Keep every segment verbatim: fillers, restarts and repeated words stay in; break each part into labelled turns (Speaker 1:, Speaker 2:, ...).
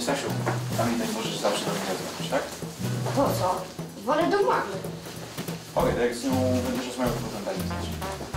Speaker 1: Stasiu, pamiętaj, możesz zawsze do mnie zadzwonić, tak?
Speaker 2: Po co? Wolę do mamy.
Speaker 1: Okej, okay, jak z nią będziesz rozmawiał, to potem daj mi znać.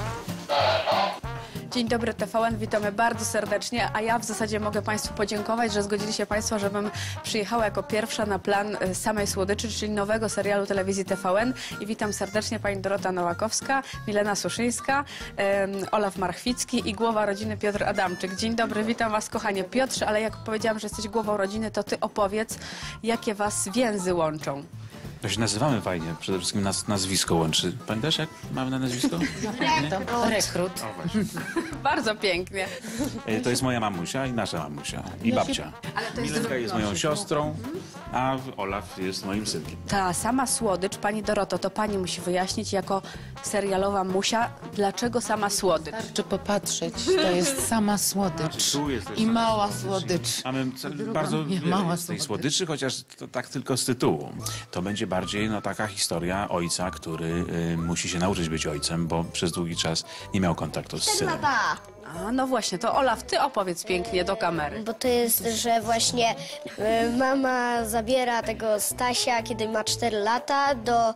Speaker 3: Dzień dobry T V N, witamy bardzo serdecznie, a ja w zasadzie mogę Państwu podziękować, że zgodzili się Państwo, żebym przyjechała jako pierwsza na plan Samej Słodyczy, czyli nowego serialu telewizji T V N i witam serdecznie Pani Dorota Nowakowska, Milena Suszyńska, um, Olaf Marchwicki i głowa rodziny Piotr Adamczyk. Dzień dobry, witam Was kochanie. Piotrze, ale jak powiedziałam, że jesteś głową rodziny, to Ty opowiedz, jakie Was więzy łączą.
Speaker 1: No się nazywamy fajnie, przede wszystkim nas nazwisko łączy. Pamiętasz, jak mamy na nazwisko?
Speaker 2: Rekrut.
Speaker 1: O, właśnie.
Speaker 3: Bardzo pięknie.
Speaker 1: E, To jest moja mamusia i nasza mamusia. I babcia.
Speaker 3: Ale to jest
Speaker 1: Milenka jest moją siostrą, a Olaf jest moim synkiem.
Speaker 3: Ta sama słodycz, Pani Doroto, to Pani musi wyjaśnić jako serialowa musia, dlaczego sama słodycz?
Speaker 4: Czy popatrzeć, to jest sama słodycz
Speaker 1: Tu jest też
Speaker 4: i
Speaker 1: sama
Speaker 4: mała
Speaker 1: słodycz.
Speaker 4: słodycz.
Speaker 1: Mamy bardzo
Speaker 4: nie,
Speaker 1: wiele
Speaker 4: mała
Speaker 1: z tej
Speaker 4: słodycz.
Speaker 1: słodyczy, chociaż to tak tylko z tytułu. To będzie bardziej no, taka historia ojca, który y, musi się nauczyć być ojcem, bo przez długi czas nie miał kontaktu z synem.
Speaker 3: A, no właśnie, to Olaf, Ty opowiedz pięknie do kamery.
Speaker 2: Bo to jest, że właśnie y, mama zabiera tego Stasia, kiedy ma cztery lata, do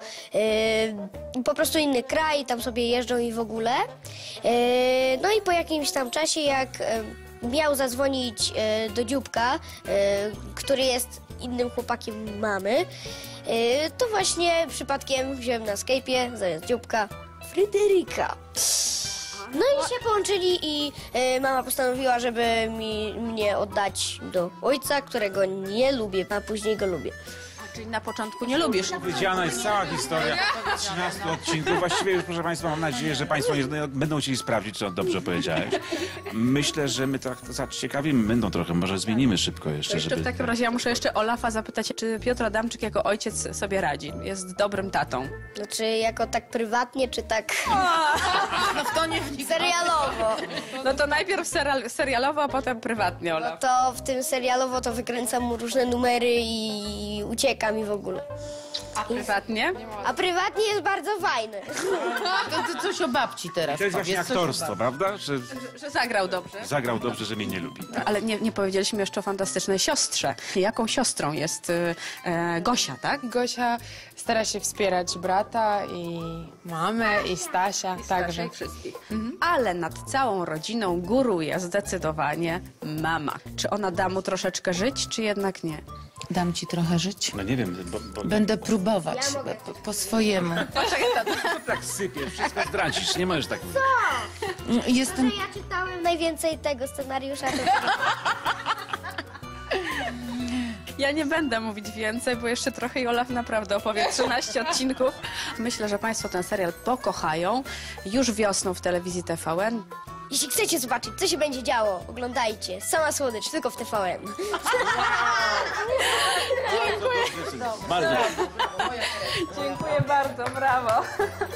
Speaker 2: y, po prostu inny kraj, tam sobie jeżdżą i w ogóle. Y, no i po jakimś tam czasie, jak y, miał zadzwonić y, do Dzióbka, y, który jest innym chłopakiem mamy, y, to właśnie przypadkiem wziąłem na Skype'ie zamiast Dzióbka Fryderyka. No i się połączyli i y, mama postanowiła, żeby mi, mnie oddać do ojca, którego nie lubię, a później go lubię.
Speaker 3: Czyli na początku nie lubisz.
Speaker 1: Powiedziana jest cała historia trzynastu odcinków. Właściwie już, proszę Państwa, mam nadzieję, że Państwo nie będą chcieli sprawdzić, czy dobrze powiedziałeś. Myślę, że my tak zaciekawimy, będą trochę, może zmienimy szybko jeszcze,
Speaker 3: Jeszcze
Speaker 1: żeby...
Speaker 3: w takim razie ja muszę jeszcze Olafa zapytać, czy Piotr Adamczyk jako ojciec sobie radzi? Jest dobrym tatą.
Speaker 2: Znaczy jako tak prywatnie, czy tak
Speaker 4: No w to nie
Speaker 2: serialowo.
Speaker 3: No to najpierw serial, serialowo, a potem prywatnie,
Speaker 2: No
Speaker 3: Olaf.
Speaker 2: to w tym serialowo to wykręcam mu różne numery i uciekam i w ogóle.
Speaker 3: A prywatnie?
Speaker 2: A prywatnie jest bardzo fajny.
Speaker 4: To, to coś o babci teraz.
Speaker 1: To jest właśnie
Speaker 4: powiedz, coś o
Speaker 1: aktorstwo,
Speaker 4: babci.
Speaker 1: prawda? Że
Speaker 3: Że zagrał dobrze.
Speaker 1: zagrał dobrze, że mnie nie lubi.
Speaker 3: Ale nie, nie powiedzieliśmy jeszcze o fantastycznej siostrze. Jaką siostrą jest y, e, Gosia, tak?
Speaker 5: Gosia stara się wspierać brata i mamę i Stasia także.
Speaker 3: Wszystkich. Ale nad całą rodziną góruje zdecydowanie mama. Czy ona da mu troszeczkę żyć, czy jednak nie?
Speaker 4: Dam ci trochę żyć.
Speaker 1: No nie wiem, bo... bo
Speaker 4: Będę próbować
Speaker 2: Ja mogę.
Speaker 4: po, po swojemu.
Speaker 1: tak sypie, wszystko zdradzisz, nie możesz tak mówić.
Speaker 4: Jestem...
Speaker 2: Ja czytałem najwięcej tego scenariusza. To...
Speaker 3: Ja nie będę mówić więcej, bo jeszcze trochę i Olaf naprawdę opowie trzynaście odcinków. Myślę, że Państwo ten serial pokochają. Już wiosną w telewizji T V N.
Speaker 2: Jeśli chcecie zobaczyć, co się będzie działo, oglądajcie. Sama słodycz, tylko w T V N.
Speaker 1: Bardzo.
Speaker 3: Dziękuję bardzo, brawo.